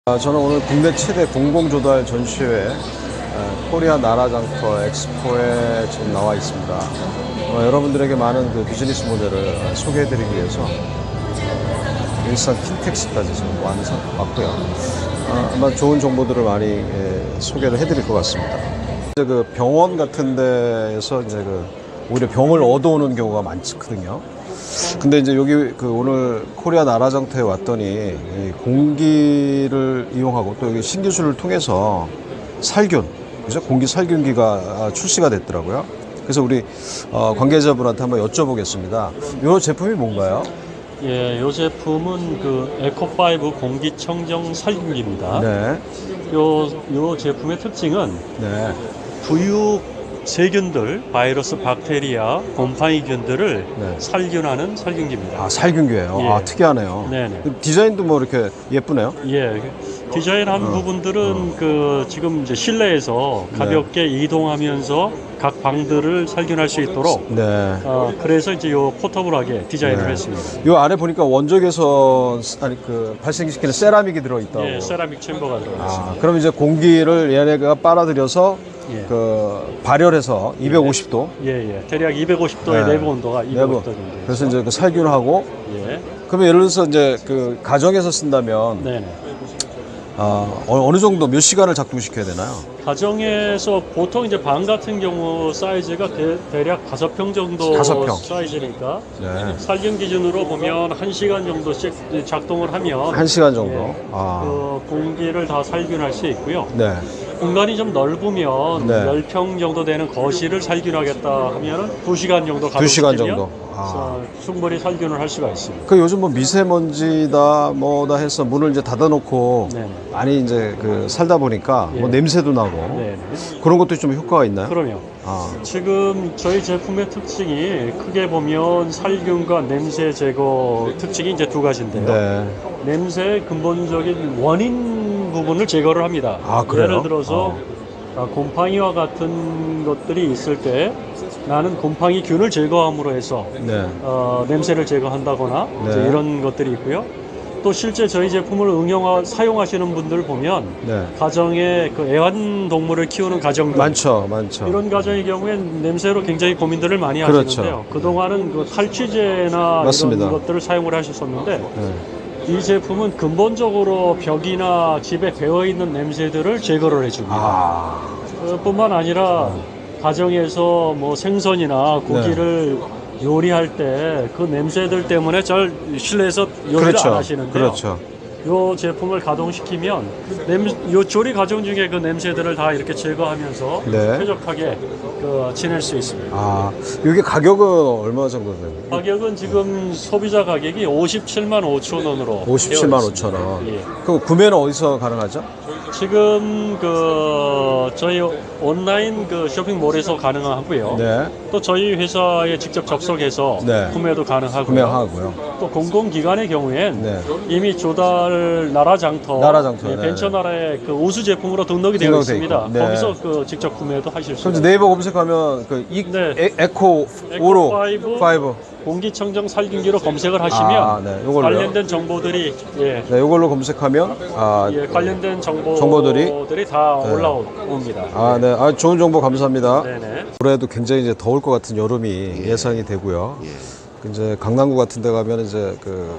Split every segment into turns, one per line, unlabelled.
저는 오늘 국내 최대 공공조달 전시회 코리아 나라장터 엑스포에 지금 나와 있습니다. 여러분들에게 많은 그 비즈니스 모델을 소개해드리기 위해서 일산 킨텍스까지 지금 왔고요. 아마 좋은 정보들을 많이 소개를 해드릴 것 같습니다. 이제 그 병원 같은 데에서 이제 오히려 병을 얻어오는 경우가 많거든요. 근데 이제 여기 오늘 코리아 나라장터에 왔더니 공기를 이용하고 또 여기 신기술을 통해서 살균, 그죠? 공기 살균기가 출시가 됐더라고요. 그래서 우리 관계자분한테 한번 여쭤보겠습니다. 이 제품이 뭔가요?
예, 이 제품은 그 에코5 공기청정 살균기입니다.
네.
요 제품의 특징은
네.
부유 세균들, 바이러스, 박테리아, 곰팡이균들을
네.
살균하는 살균기입니다.
아, 살균기예요.
예.
아, 특이하네요.
네네.
디자인도 뭐 이렇게 예쁘네요.
예, 디자인한 부분들은 지금 이제 실내에서 가볍게 이동하면서 각 방들을 살균할 수 있도록
네.
그래서 이제 요 포터블하게 디자인을
네.
했습니다.
요 안에 보니까 원적에서 발생시키는 세라믹이 들어있다고.
예, 세라믹 챔버가 들어가 있습니다.
그럼 이제 공기를 얘네가 빨아들여서
예.
발열해서 250도.
예. 대략 250도의
네.
내부 온도가 250도 정도.
그래서 이제 살균하고.
예.
그러면 예를 들어서 이제 가정에서 쓴다면
네네.
어느 정도 몇 시간을 작동시켜야 되나요?
가정에서 보통 이제 방 같은 경우 사이즈가 대략 5평 정도
5평.
사이즈니까
네.
살균 기준으로 보면 1시간 정도씩 작동을 하면
1시간 정도.
그 공기를 다 살균할 수 있고요.
네.
공간이 좀 넓으면
네.
10평 정도 되는 거실을 살균하겠다 하면은 2시간 정도
2시간
가동시키면
정도.
충분히 살균을 할 수가 있습니다.
요즘 뭐 미세먼지다 뭐다 해서 문을 이제 닫아놓고
네.
많이 이제 살다 보니까 뭐
예.
냄새도 나고
네.
그런 것도 좀 효과가 있나요?
그럼요. 지금 저희 제품의 특징이 크게 보면 살균과 냄새 제거 특징이 이제 두 가지인데요.
네.
냄새의 근본적인 원인 부분을 제거를 합니다.
그래요?
예를 들어서 곰팡이와 같은 것들이 있을 때 나는 곰팡이균을 제거함으로 해서
네.
냄새를 제거한다거나
네.
이제 이런 것들이 있고요. 또 실제 저희 제품을 사용하시는 분들 보면
네.
가정에 애완동물을 키우는 가정들
많죠.
이런 가정의 경우엔 냄새로 굉장히 고민들을 많이
그렇죠.
하시는데요. 그동안은 탈취제나
맞습니다.
이런 것들을 사용을 하셨었는데
네.
이 제품은 근본적으로 벽이나 집에 배어있는 냄새들을 제거를 해줍니다. 뿐만 아니라 가정에서 뭐 생선이나 고기를 요리할 때 그 냄새들 때문에 잘 실내에서 요리를 안 하시는데요.
그렇죠.
이 제품을 가동시키면 요 조리 과정 중에 그 냄새들을 다 이렇게 제거하면서
네.
쾌적하게 지낼 수 있습니다.
이게 가격은 얼마 정도 되나요?
가격은 지금 소비자 가격이 57만 5천 원으로
57만 5천 원.
예.
그 구매는 어디서 가능하죠?
지금 저희 온라인 쇼핑몰에서 가능하고요.
네.
또 저희 회사에 직접 접속해서
네.
구매도 가능하고요.
구매하고요.
또 공공기관의 경우엔
네.
이미 조달 나라장터,
네.
벤처나라의 우수 제품으로 등록이 되어
등록돼
있습니다.
있고. 네.
거기서 직접 구매도 하실 수
그럼
있습니다.
네이버 검색하면
네.
에코5
공기청정 살균기로 검색을 하시면
네. 요걸로요?
관련된 정보들이
네, 이걸로 검색하면
관련된 정보들이 다 올라옵니다.
네. 좋은 정보 감사합니다.
네네.
올해도 굉장히 이제 더울 것 같은 여름이 예상이 되고요. 이제 강남구 같은 데 가면 이제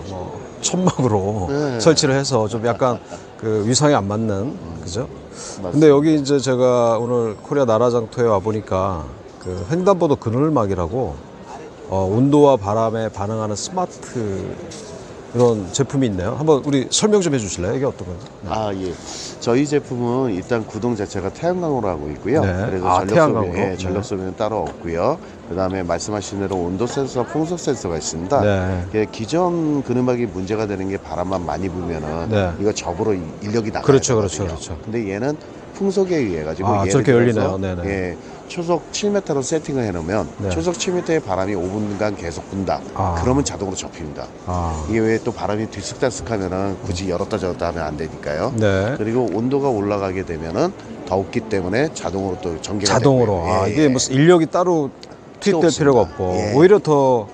천막으로 설치를 해서 좀 약간 위상에 안 맞는, 그죠? 근데 여기 이제 제가 오늘 코리아 나라장터에 와 보니까 횡단보도 그늘막이라고 온도와 바람에 반응하는 스마트 이런 제품이 있네요. 한번 우리 설명 좀 해주실래요? 이게 어떤 건지?
예. 저희 제품은 일단 구동 자체가 태양광으로 하고 있고요.
네.
그래서
태양광으로?
전력 소비는 따로 없고요. 그 다음에 말씀하신 대로 온도 센서, 풍속 센서가 있습니다.
네.
기존 그늘막이 문제가 되는 게 바람만 많이 불면은 이거 접으로 인력이 나가요.
그렇죠.
근데 얘는 풍속에 의해 가지고
저렇게 열리네요. 네네.
초속 7m로 세팅을 해놓으면 초속 7m의 바람이 5분간 계속 분다. 그러면 자동으로 접힙니다. 이게 왜 또 바람이 들쑥달쑥하면은 굳이 열었다 젖었다 하면 안 되니까요.
네.
그리고 온도가 올라가게 되면은 덥기 때문에 자동으로 또 전개가
자동으로.
되고요.
이게 무슨 인력이 따로 투입될 필요가 없고 오히려 더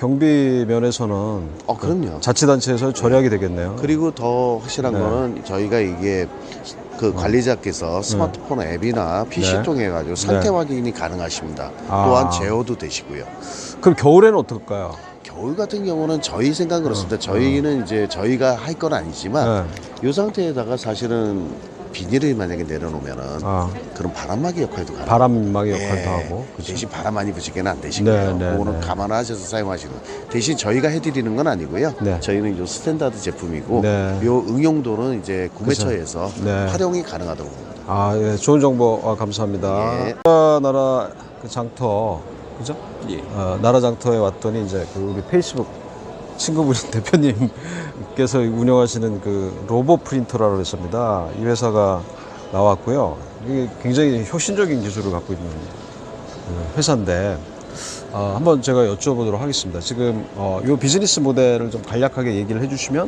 경비 면에서는
그럼요.
자치단체에서 절약이 되겠네요.
그리고 더 확실한
네.
거는 저희가 이게 그 관리자께서 스마트폰 앱이나 PC
네.
통해 가지고 상태
네.
확인이 가능하십니다.
아.
또한 제어도 되시고요.
그럼 겨울에는 어떨까요?
겨울 같은 경우는 저희 생각은 그렇습니다. 저희는 이제 저희가 할 건 아니지만 이 상태에다가 사실은 비닐을 만약에 내려놓으면은 그런 바람막이 역할도 가능.
바람막이 역할도 하고.
대신 바람 많이 부치게는 안 되시고요.
네, 네,
그거는
네.
감안하셔서 사용하시는 거예요. 대신 저희가 해드리는 건 아니고요.
네.
저희는 요 스탠다드 제품이고
네.
요 응용도는 이제 구매처에서
네.
활용이 가능하도록 합니다.
아, 예, 좋은 정보 감사합니다.
예.
나라 그 장터, 그죠?
예.
나라 장터에 왔더니 이제 그 우리 페이스북 친구분 대표님께서 운영하시는 그 로봇 프린터라고 했습니다. 이 회사가 나왔고요. 이게 굉장히 혁신적인 기술을 갖고 있는 그 회사인데 한번 제가 여쭤보도록 하겠습니다. 지금 이 비즈니스 모델을 좀 간략하게 얘기를 해주시면,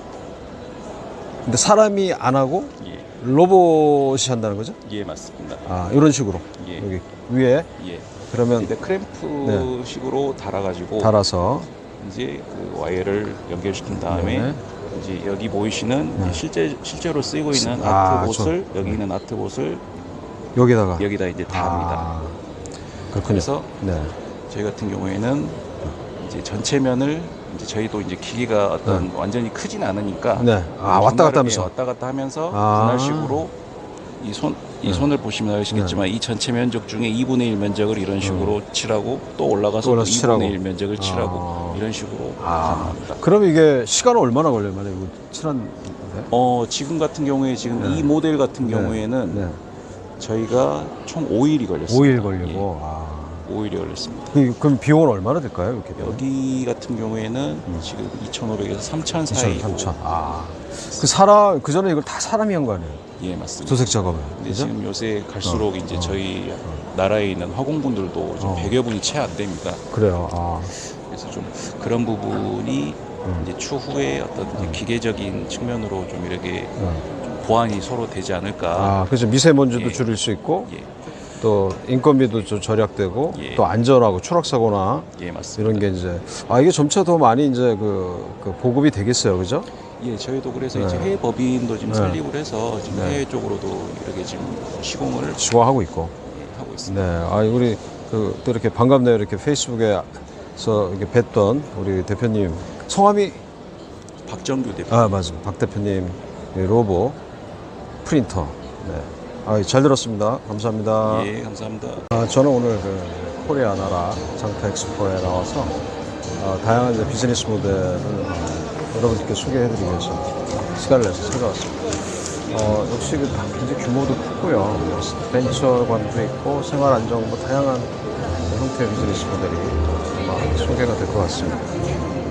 근데 사람이 안 하고
예.
로봇이 한다는 거죠?
예, 맞습니다.
이런 식으로
예.
여기 위에
예.
그러면
근데 크램프식으로 달아가지고
달아서
이제 그 와이어를 연결시킨 다음에
네.
이제 여기 보이시는 실제로 쓰이고 있는
아,
아트봇을 여기 있는 아트봇을
여기다가
여기다 이제 답니다.
그렇군요.
그래서
네.
저희 같은 경우에는 이제 전체 면을 이제 저희도 이제 기계가 어떤 완전히 크진 않으니까
네. 왔다 갔다 하면서.
왔다 갔다 하면서
아.
분할식으로 이 손을 보시면 아시겠지만 이 전체 면적 중에 2분의 1 면적을 이런 식으로 칠하고 또 올라가서
또 올라가서
2분의
칠하고.
1 면적을 칠하고 이런 식으로 가능합니다.
그럼 이게 시간은 얼마나 걸려요? 만약에 이거 칠한
지금 같은 경우에 지금 이 모델 같은 경우에는
네.
저희가 총 5일이 걸렸습니다.
5일 걸리고.
5일이 걸렸습니다.
그럼 비용은 얼마나 들까요? 이렇게 되면?
여기 같은 경우에는 지금 2,500에서 3,000 사이.
3천. 그 사람 그 전에 이걸 다 사람이 한 거 아니에요?
예, 맞습니다.
도색 작업을.
근데
그죠?
지금 요새 갈수록 이제 저희 나라에 있는 화공분들도 좀 100여 분이 채 안 됩니다.
그래요.
그래서 좀 그런 부분이 이제 추후에 어떤 이제 기계적인 측면으로 좀 이렇게 좀 보완이 서로 되지 않을까.
그렇죠. 미세먼지도
예.
줄일 수 있고
예,
또 인건비도 좀 절약되고
예.
또 안전하고 추락 사고나
예, 맞습니다.
이런 게 이제 이게 점차 더 많이 이제 그 보급이 되겠어요, 그죠?
예, 저희도 그래서
네.
이제 해외 법인도 지금
네.
설립을 해서 지금
네.
해외 쪽으로도 이렇게 지금 시공을
시공하고 있고.
하고 있습니다.
네, 우리 또 이렇게 반갑네요. 이렇게 페이스북에서 이렇게 뵀던 우리 대표님 성함이
박정규 대표.
맞아, 박 대표님 로봇 프린터. 네, 잘 들었습니다. 감사합니다.
예, 감사합니다.
저는 오늘 그 코리아 나라 장터 엑스포에 나와서 다양한 이제 비즈니스 모델을 여러분들께 소개해드리기 위해서 시간을 내서 찾아왔습니다. 역시 굉장히 규모도 크고요. 벤처관도 있고 생활안정 다양한 형태의 비즈니스 모델이 아마 소개가 될 것 같습니다.